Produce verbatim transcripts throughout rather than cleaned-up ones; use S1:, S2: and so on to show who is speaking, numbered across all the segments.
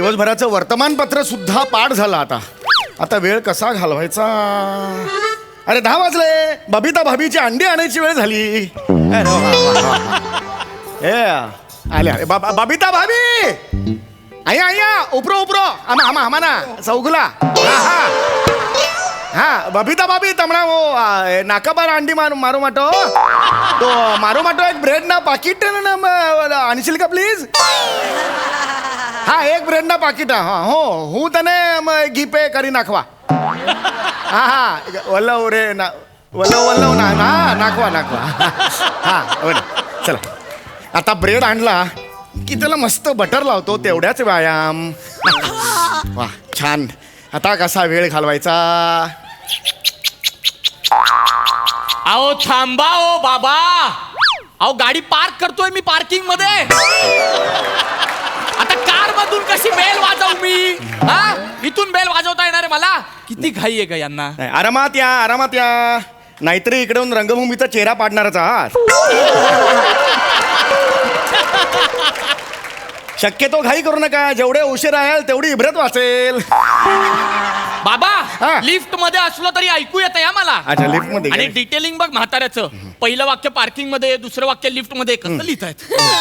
S1: दिवसभराचं वर्तमानपत्र सुद्धा पाठ झालं. आता आता वेळ कसा घालवायचा. अरे दहा वाजले. बबिता भाभीची अंडी आणायची वेळ झाली. अरे वा, वा, वा. ए आले आले बा- बबिता भाभी आया आया उपरो उपरो आमा आमा आमा ना चौगुला. हा हा हा बबिता भाभी तमणा वो आ, नाका बार अंडी मारू मारू माटो तो मारू माटो एक ब्रेड ना पाकिट ना म- आणशील का प्लीज. हा एक ब्रेड ना पाकिट हा हो હું તને ઘી પે કરી નાખવા. હા હા વલ્લવ રે ના વલ્લવ વલ્લવ ના ના નાખવા નાખવા. हा बरं चला. आता ब्रेड आणला की त्याला मस्त बटर लावतो तेवढ्याच व्यायाम. वा छान. आता कसा वेळ घालवायचा.
S2: अहो थांबा ओ बाबा. अहो गाडी पार्क करतोय मी पार्किंग मध्ये. आता कार मधून कशी बेल वाजवू मी. हा इथून बेल वाजवता येणार आहे मला. किती घाई आहे का यांना.
S1: नाही, आरामात या आरामात या. नाहीतरी इकडे येऊन रंगभूमीचा चेहरा पाडणारच आहात. शक्यतो घाई करू नका. जेवढे उशीर राहाल तेवढी इब्रत वाचेल.
S2: बाबा
S1: हा.
S2: लिफ्ट मध्ये असलो तरी ऐकू येतं या मला.
S1: अच्छा लिफ्ट मध्ये
S2: आणि
S1: काय?
S2: डिटेलिंग बघ म्हाताऱ्याचं. पहिलं वाक्य पार्किंग मध्ये दुसरं वाक्य लिफ्ट मध्ये कसं लिहितायत.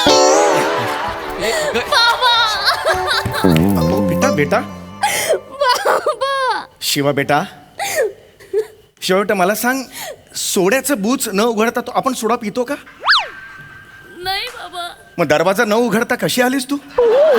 S1: अहो, बेटा बेटा शिवा बेटा शिवा बेटा मला सांग सोड्याचं बूच न उघडता तो आपण सोडा पितो का.
S3: नाही बाबा.
S1: मग दरवाजा न उघडता कशी आलीस तू.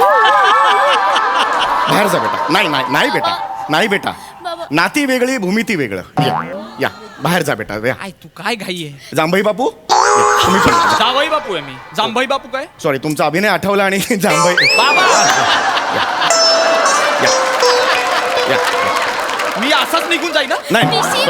S1: बाहेर जा बेटा. नाही नाही नाही बेटा नाही बेटा.
S3: बाबा.
S1: नाती वेगळी भूमिती वेगळं. या या बाहेर जा बेटा. या.
S2: काय तू काय घाई आहे.
S1: जांभई बापू या, तुम्ही पण या.
S2: जावई बापू आहे मी. जांभई बापू काय.
S1: सॉरी तुमचा अभिनय आठवला आणि जांभई
S2: बाबा
S1: या या या.
S2: मी असाच निघून जाईन ना.
S1: नाही
S3: निशी.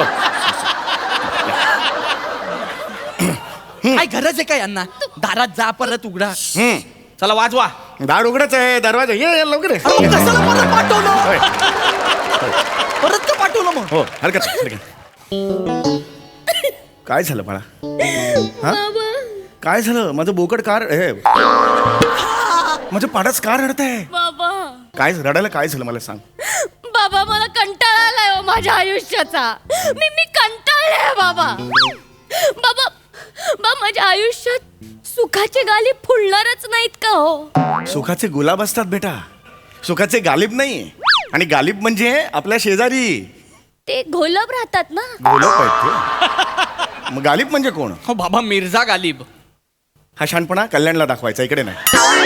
S2: काय गरज आहे का यांना. दारात जा परत उघडा.
S1: हम्म.
S2: चला वाजवा.
S1: दार उघडच आहे. दरवाजा ये ये, लवकर ये.
S2: अरे मग कशाला परत पाठवलं.
S1: होय.
S2: परत का पाठवलं मग.
S1: हो हरकत नाही, हरकत नाही. काय झालं बाळा. हा काय झालं. माझं बोकड कार हे माझं पाडच कार रडत आहे.
S3: बाबा
S1: काय रडायला काय झालं मला सांग.
S3: बाबा मला कंटाळा आलाय हो माझ्या आयुष्याचा. मी मी कंटाळले बाबा. बाबा बा माझ्या आयुष्यात सुखाचे गाली फुलणारच नाहीत का हो.
S1: सुखाचे गुलाब असतात बेटा. सुखाचे गालिब नाही. आणि गालिब म्हणजे आपल्या शेजारी
S3: ते घोलप राहतात ना.
S1: गोलप आहेत ते. मग गालिब म्हणजे कोण.
S2: हो बाबा मिर्झा गालिब.
S1: हा शहाणपणा कल्याणला दाखवायचा इकडे नाही.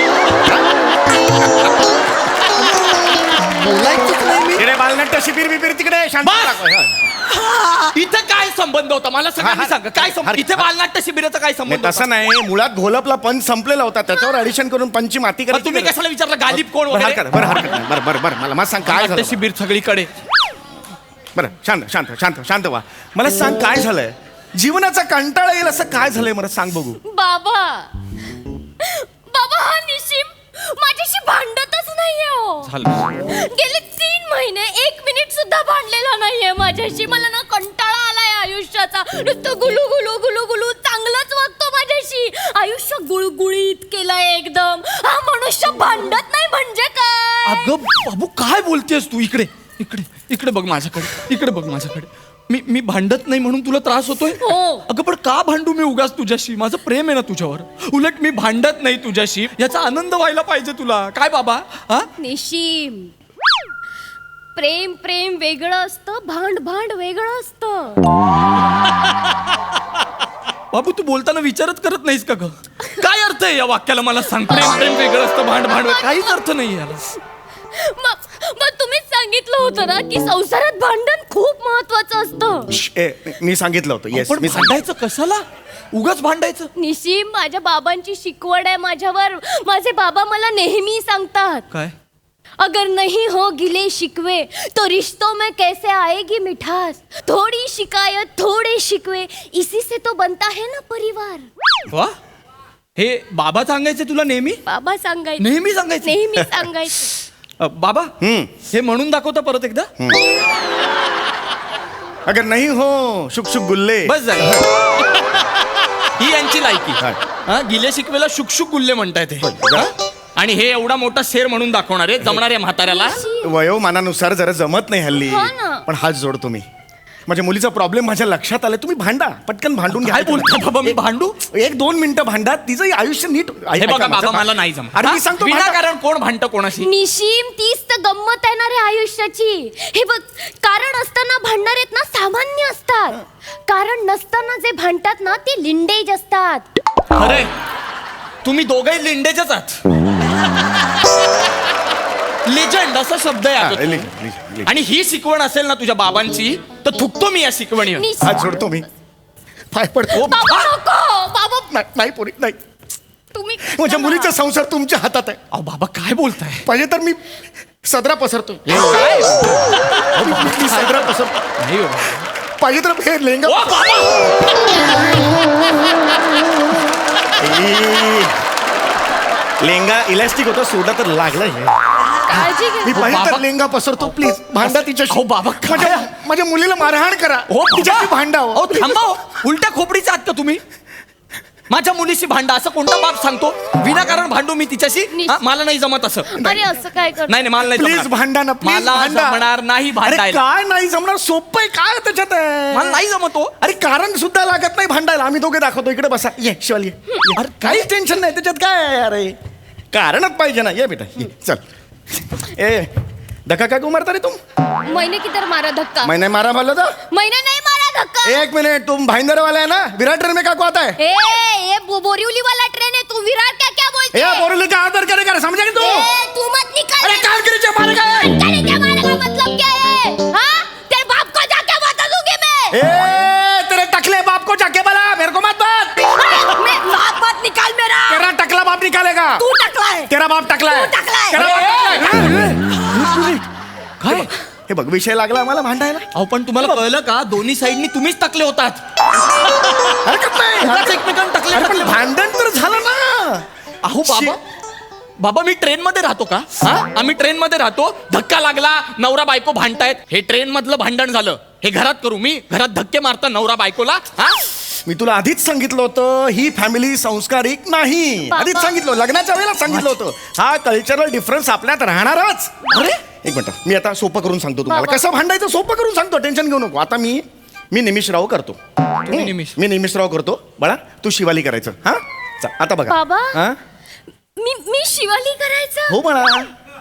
S2: बोलायचंच नाही मी.
S1: तिकडे बालनाट्य शिबिर बिबिर तिकडे शांत
S2: बस!
S1: दाखवाय. हा.
S2: इथं काय संबंध होता मला सगळ्यांनी
S1: हा, हा.
S2: सांगा. काय संबंध.
S1: हर-
S2: इथे बालनाट्य शिबिराचा काय
S1: नाही
S2: संबंध
S1: तसं
S2: होता?
S1: नाही. मुळात घोलपला पंच संपलेला होता त्याच्यावर ऍडिशन करून पंची माती
S2: मग
S1: करायची
S2: तुम्ही
S1: गरज.
S2: कशाला विचारलं गालिब कोण
S1: बरं
S2: वगैरे.
S1: हरकत बरं हरकत नाही. बरं बरं बरं मला मला सांग काय
S2: बालनाट्य
S1: झालं.
S2: शिबिर सगळीकडे.
S1: बरं शांत शांत शांत शांत व्हा. मला सांग काय झालंय. जीवनाचा कंटाळा येईल असं काय झालंय मला सांग बघू.
S3: बाबा बाबा हा निशिम माझ्याशी भांडतच नाहीये हो.
S2: झालं.
S3: गेले तीन महिने एक मिनिट सुद्धा भांडलेला नाहीये माझ्याशी. मला ना कंटाळा आलाय आयुष्याचा. नुसतं गुलू गुलू गुलू गुलू चांगलंच वागतो माझ्याशी. आयुष्य गुळगुळीत केलंय एकदम. हा मनुष्य भांडत नाही म्हणजे काय.
S2: अगं बाबू काय बोलतेस तू. इकडे इकडे इकडे बघ माझ्याकडे. इकडे बघ माझ्याकडे. मी मी भांडत नाही म्हणून तुला त्रास होतोय.
S3: हो.
S2: अगं पण का भांडू मी उगाच तुझ्याशी. माझं प्रेम आहे ना तुझ्यावर. उलट मी भांडत नाही तुझ्याशी याचा आनंद व्हायला पाहिजे तुला. काय बाबा. हा
S3: निशिम प्रेम प्रेम वेगळं असतं. भांड भांड वेगळं असतं.
S2: बाबू तू बोलताना विचारच करत नाहीस का ग. काय अर्थ आहे या वाक्याला मला सांग. प्रेम प्रेम वेगळं असतं भांड भांड वेगळं. काहीच अर्थ नाही याला.
S3: मग मग तुम्हीच सांगितलं होतं ना की संसारात भांडण खूप महत्वाचं असतं.
S1: श्श, ए, मी सांगितलं होतं. येस
S2: पण
S1: मी सांगितलं.
S2: भांडायचं कशाला. उगाच भांडायचं.
S3: निशिम माझ्या बाबांची शिकवण आहे माझ्यावर. माझे बाबा मला नेहमी सांगतात
S2: काय.
S3: अगर नहीं हो गिले शिकवे तो रिश्तों में कैसे आएगी मिठास. थोड़ी शिकायत थोड़े शिकवे इसी से तो बनता है ना परिवार.
S2: वा हे बाबा सांगायचे तुला नेहमी.
S3: बाबा सांगायचे.
S2: नेहमी सांगायचे.
S3: नेहमी सांगायचे.
S2: अ, बाबा
S1: हम्म.
S2: हे म्हणून दाखवता परत एकदा.
S1: अगर नाही हो शुक शुक गुल्ले.
S2: बस झालं. ही यांची लायकी.
S1: हा.
S2: हा गिले शिकवेला शुकशुक गुल्ले म्हणताय ते.
S1: जा.
S2: आणि हे एवढा मोठा शेर म्हणून दाखवणार आहे जमणार आहे म्हाताऱ्याला.
S1: वयोमानानुसार जरा जमत नाही हल्ली.
S3: हो ना.
S1: पण हात जोडतो मी. माझ्या मुलीचा प्रॉब्लेम माझ्या लक्षात आलाय. तुम्ही भांडा, पटकन भांडून घ्या.
S2: काय बोलता बाबा, मी भांडू?
S1: एक दोन मिनिटं भांडा, तिचं आयुष्य नीट.
S2: हे बघा बाबा, मला नाही जमत.
S1: अरे मी सांगतो भांडा.
S2: विनाकारण कोण भांडतं कोणाशी?
S3: निशिम, तीच तर गंमत आहे ना रे आयुष्याची. हे बघ, कारण असताना भांडणार आहेत ना सामान्य असतात, कारण नसताना जे भांडतात ना ते लिंडेज असतात.
S2: अरे तुम्ही दोघंही लिंडेचच आहात. लेजंड असा शब्द आहे
S1: हा,
S2: आता
S1: ले-
S2: तो.
S1: ले- ले-
S2: आणि ही शिकवण असेल ना तुझ्या बाबांची तर थुकतो मी या शिकवणीवर.
S3: निशिम,
S1: हात जोडतो मी. पाय पडतो.
S3: बाबा नको, बाबा
S1: नाही नाही, पोरी नाही.
S3: तुम्ही
S1: माझ्या मुलीचा संसार तुमच्या हातात आहे.
S2: अहो बाबा काय बोलताय?
S1: पाहिजे तर मी सदरा पसरतो.
S2: काय?
S1: मी सदरा पसरतो.
S2: नाही हो.
S1: पाहिजे तर हे लेंगा.
S2: ओ बाबा!
S1: ए, लेंगा इलास्टिक होता, सोडा तर लागला हे.
S3: काळजी
S1: मी
S3: घ्या.
S1: पाहिजे तर
S2: बाबा-
S1: लेंगा पसरतो. प्लीज भांडा तिच्याशी.
S2: अहो, बाबा, काय?
S1: माझ्या माझ्या मुलीला मारहाण करा.
S2: ओ
S1: तिच्याशी भांडा.
S2: अहो थांबा हो. उलट्या खोपडीचा आहात का तुम्ही? माझ्या मुलीशी भांडा असं कोणता बाप सांगतो? विनाकारण भांडू मी तिच्याशी? हा, मला नाही जमत असं.
S3: अरे असं काय कर
S2: नाही नाही, मला नाही
S1: प्लीज
S2: जमणार.
S1: भांडा ना, प्लीज
S2: मला
S1: भांडा.
S2: जमणार नाही
S1: अरे
S2: भांडायला.
S1: काय नाही जमणार? सोपं आहे. काय त्याच्यात आहे?
S2: मला नाही जमत हो.
S1: अरे कारण सुद्धा लागत नाही भांडायला. आम्ही दोघे दाखवतो. इकडे बसा. ये शिवाली ये. ये. अरे काहीच टेन्शन नाही त्याच्यात. काय आहे अरे? कारणच पाहिजे ना. ये बेटा ये. चल. ए धक्का काय मारता रे तुम?
S3: मैंने किधर मारा धक्का?
S1: मैंने मारा बोला था.
S3: मैंने नहीं मारा धक्का.
S1: एक मिनट, तुम भाईंदर वाला है ना? विराट ट्रेन में क्या को आता है?
S3: ए, ये बो- बोरीवली वाला ट्रेन है. तू विराट क्या क्या बोलते
S1: ए
S3: है?
S1: बोरली का आदर करेगा, समझा कि तू?
S3: ए, तू मत निकाल.
S1: अरे काम करी जे मारेगा.
S3: निकाल के मारने का मतलब क्या है? हाँ? तेरे बाप को जाके बता दूंगी मैं.
S1: ए तेरे टकले बाप को जाके बोला, मेरे को मत बात.
S3: अरे, मैं बाप मत निकाल मेरा.
S1: तेरा टकला बाप निकालेगा.
S3: तू टकला है.
S1: तेरा बाप टकला है.
S3: तू टकला है.
S1: तेरा बाप टकला है.
S2: काय?
S1: हे बघ विषय लागला आम्हाला भांडायला.
S2: अहो पण तुम्हाला कळलं का? दोन्ही साईडनी तुम्हीच टाकले होतात.
S1: हरकत नाही.
S2: उगाच एकमेकांना टाकले
S1: अरे पण
S2: टाकले.
S1: भांडण तर झालं ना.
S2: अहो बाबा, बाबा मी ट्रेन मध्ये राहतो का? हा, आम्ही ट्रेन मध्ये राहतो. धक्का लागला, नवरा बायको भांडतायत. हे ट्रेन मधलं भांडण झालं. हे घरात करू मी? घरात धक्के मारता नवरा बायकोला? हा,
S1: मी तुला आधीच सांगितलं होतं ही फॅमिली संस्कारिक नाही.
S3: बाबा.
S1: आधीच सांगितलं, लग्नाच्या वेळेला सांगितलं होतं. हा कल्चरल डिफरन्स आपल्यात राहणारच.
S2: अरे
S1: एक मिनिट, मी आता सोपं करून सांगतो तुम्हाला.
S3: बाबा.
S1: कसं भांडायचं सोपं करून सांगतो. टेन्शन घेऊ नको. आता मी मी निमिषराव करतो.
S2: तुम्ही निमिष.
S1: मी निमिषराव करतो. बाळा तू शिवाली करायचं. हा चा, आता बघा.
S3: बाबा.
S1: हा
S3: मी मी शिवाली करायचं.
S1: हो बाळा.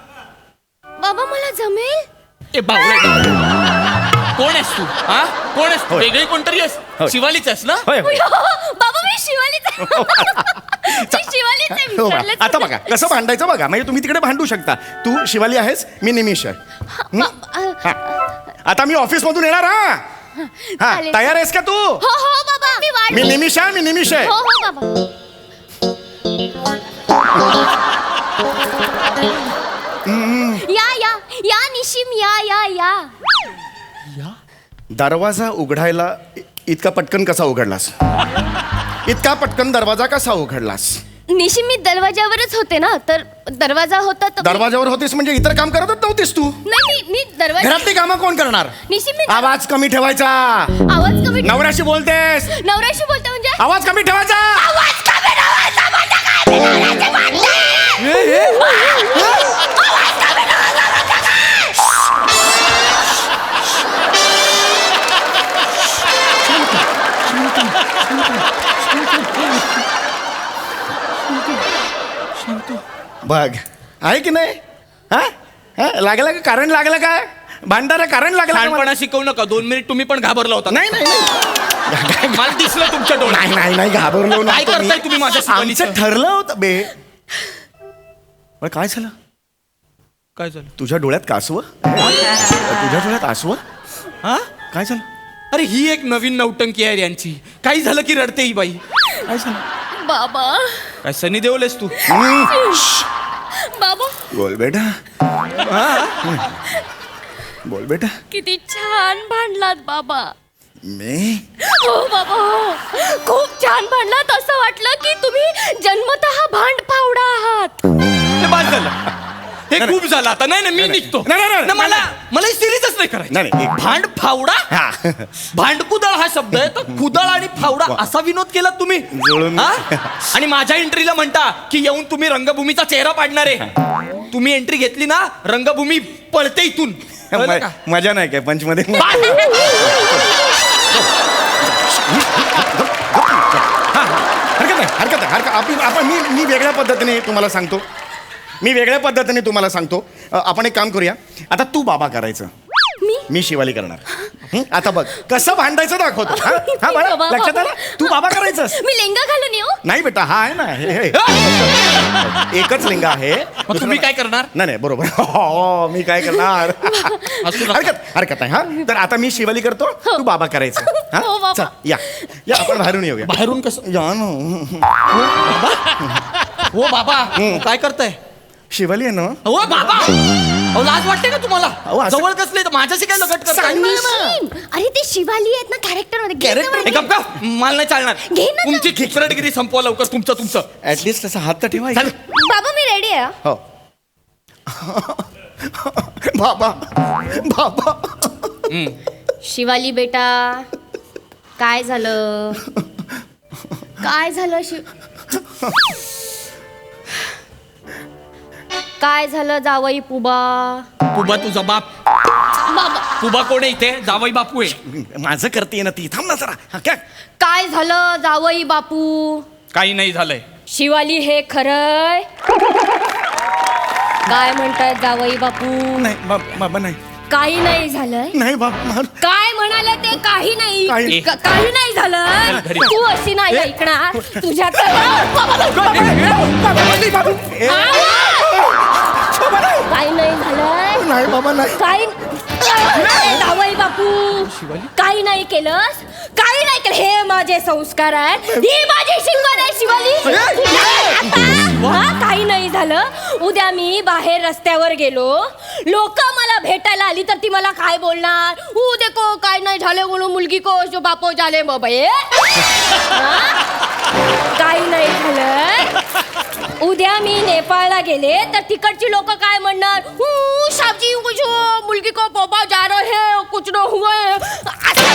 S3: बाबा मला जमेल.
S2: ए बावळे, कोण आहेस तू? हा, कोण आहेस तू?
S1: होय.
S2: वेगळी कोणतरी आहेस?
S1: होय.
S2: शिवालीच आहेस ना?
S1: होय होय.
S3: बाबा मी शिवालीच आहे. मी शिवालीच आहे.
S1: हो बाळा.
S3: विसरलेच
S1: आता
S3: होते.
S1: बघा कसं भांडायचं बघा. म्हणजे तुम्ही तिकडे भांडू शकता. तू शिवाली आहेस, मी निमिष आहे. हं?
S3: बाबा,
S1: हा. आता मी ऑफिस मधून येणार. हा हा
S3: चालेल.
S1: तयार आहेस का तू?
S3: हो हो बाबा मी वाट.
S1: मी निमिष आहे. मी निमिष आहे.
S3: हो हो बाबा. या या या निशिम या या या.
S1: दरवाजा उघडायला इ- इतका पटकन कसा उघडलास? इतका पटकन दरवाजा कसा उघडलास?
S3: निशिम मी दरवाजावरच होते ना, तर दरवाजा होता तर
S1: दरवाजावर होतीस म्हणजे इतर काम करतच नव्हतीस तू?
S3: नाही मी मी दरवाजा.
S1: घरातली कामं कोण करणार?
S3: निशिम मी
S1: आवाज कमी ठेवायचा.
S3: आवाज कमी.
S1: नवऱ्याशी बोलतेस,
S3: नवऱ्याशी बोलते म्हणजे
S1: आवाज कमी ठेवायचा.
S3: आवाज कमी ठेवायचा म्हणजे काय? मी नवऱ्याशी बोलते.
S1: बघ आहे की नाही? हा हा? लागलं का? कारण लागलं काय? भांडारा कारण लागलं का मला?
S2: लहानपणा शिकवू नका. दोन मिनिट तुम्ही पण घाबरला होता.
S1: नाही नाही नाही.
S2: मला दिसलं तुमच्या डोळ्यात.
S1: नाही नाही नाही घाबरलो
S2: काय
S1: नव्हतो मी.
S2: करताय तुम्ही माझ्या शिवालीचं?
S1: आमचं ठरलं होतं बे. बरं, काय झालं?
S2: काय झालं?
S1: तुझ्या डोळ्यात कासव? तुझ्या डोळ्यात आसव?
S2: हा,
S1: काय झालं?
S2: अरे ही एक नवीन नौटंकी आहे यांची. काही झालं की रडते ही बाई.
S1: काय झालं?
S3: बाबा
S2: काय सनी देओलेस तू?
S3: बाबा
S1: बोल बेटा. बोल बेटा.
S3: किती छान भांडलात बाबा.
S1: मी
S3: हो बाबा हो. खूप छान भांडलात. असं वाटलं की तुम्ही जन्मतः भांड फावडा आहात.
S2: हे बाद झालं. हे
S1: नाही,
S2: खूप झालं आता नाही नाही मी
S1: नाही,
S2: निघतो
S1: नाही, नाही, नाही,
S2: ना, मला
S1: नाही.
S2: मला सिरीजच नाही करायची.
S1: नाही, नाही, एक-
S2: भांड फावडा
S1: हा.
S2: भांडकुदळ हा शब्द आहे तर कुदळ आणि फावडा असा विनोद केला तुम्ही
S1: जुळून-
S2: हा? आणि माझ्या एंट्रीला म्हणता की येऊन तुम्ही रंगभूमीचा चेहरा पाडणार आहे. तुम्ही एंट्री घेतली ना रंगभूमी पळते इथून कळलं का?
S1: म- मजा नाही काय पंच मध्ये
S2: बा-
S1: हरकत नाही हरकत नाही हरकत आपण आपण मी मी वेगळ्या पद्धतीने तुम्हाला सांगतो मी वेगळ्या पद्धतीने तुम्हाला सांगतो अ, आपण एक काम करूया आता तू बाबा करायचं
S3: मी
S1: मी शिवाली करणार हं? आता बघ कसं भांडायचं दाखवतो हा? हा बाळा,
S3: बाबा,
S1: लक्षात
S3: बाबा.
S1: आलं तू बाबा करायचंस
S3: मी लेंगा घालून येऊ
S1: नाही बेटा हा आहे ना हे हे. एकच लिंग आहे
S2: मग तुम्ही काय करणार
S1: नाही नाही बरोबर हो मी काय करणार
S2: असू नका.
S1: हरकत हरकत आहे हा तर आता मी शिवाली करतो तू बाबा करायचं हा?
S3: हो, बाबा.
S1: चल, या या आपण बाहेरून येऊया
S2: बाहेरून कसं
S1: या ना
S2: हो बाबा काय करताय
S1: शिवाली आहे ना
S2: हो बाबा अहो लाज वाटते का तुम्हाला
S1: अहो, असं-
S2: जवळ कसले तर माझ्याशी काय लगट करताय
S1: सांग ना.
S3: निशिम, अरे ते शिवाली आहेत ना कॅरेक्टर मध्ये घे ना
S1: Character?
S3: बरं.
S2: हे गप्प गप्प. मला नाही चालणार
S3: घे ना गं.
S2: तुमची खिचरटगिरी संपवा लवकर तुमचं तुमचं
S1: ऍटलिस्ट तसा हात तर ठेवा
S2: चल.
S3: बाबा मी रेडी आहे
S1: हो बाबा बाबा
S3: शिवाली बेटा काय झालं काय झालं शिव काय झालं जावई पुबा
S2: पुबा तुझा बाप
S3: बाबा
S2: पुबा कोण आहे इथे जावई बापू आहे
S1: माझं करते ना ती थांब ना जरा हा, काय
S3: काय झालं जावई बापू
S2: काही नाही झालंय
S3: शिवाली हे खरंय काय म्हणताय जावई बापू
S1: नाही बा- बाबा नाही
S3: काही नाही झालंय
S1: नाही बाबा
S3: काय म्हणाले ते काही नाही
S1: काही-
S3: क- काही नाही झालं
S2: घरी.
S3: तू अशी नाही ऐकणार तुझ्या काही नाही झालंय
S1: नाही बाबा नाही
S3: काही जावई बापू काही नाही केलंस काही नाही केलं हे माझे संस्कार आहेत ही माझी शिकवण आहे शिवाली आता, हा, काही नाही झालं उद्या मी बाहेर रस्त्यावर गेलो लोक मला भेटायला आली तर ती मला काय बोलणार ऊ देखो काय नाही झाले म्हणून मुलगी को जो बापो झाले बाबा हे हा? काही नाही झालं उद्या मी नेपाळला गेले तर तिकडची लोक काय म्हणणार "ऊ, साबजी कुछ मुलगी को बाबा जा रहे है कुछ न हुआ है." असं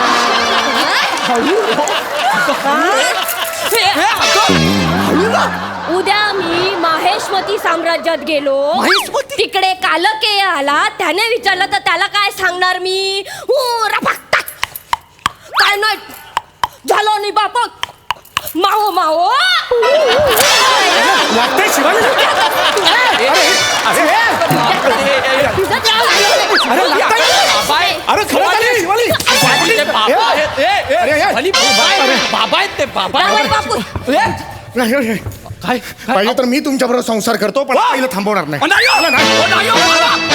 S3: म्हणणार. उद्या मी माहेशमती साम्राज्यात गेलो
S2: माहेशमती?
S3: तिकडे कालकेय आला त्याने विचारलं तर त्याला काय सांगणार मी "ऊ, रफाकता." काय नाही झालं नाही बाप माओ माओ
S1: लागतंय शिवाली अरे अरे लागतंय
S2: बाबा आहे.
S1: अरे खरं झालं शिवाली
S2: ते बाबा आहेत. ए, ए,
S1: अरे, ए.
S2: खाली बाबा आहेत. बाबा आहेत ते बाबा
S3: जावई बापू
S1: नाही, नाही.
S2: काय
S1: पाहिजे तर मी तुमच्या बरोबर संसार करतो पण पहिलं थांबवणार नाही
S2: नाही हो. नाही हो, बाबा.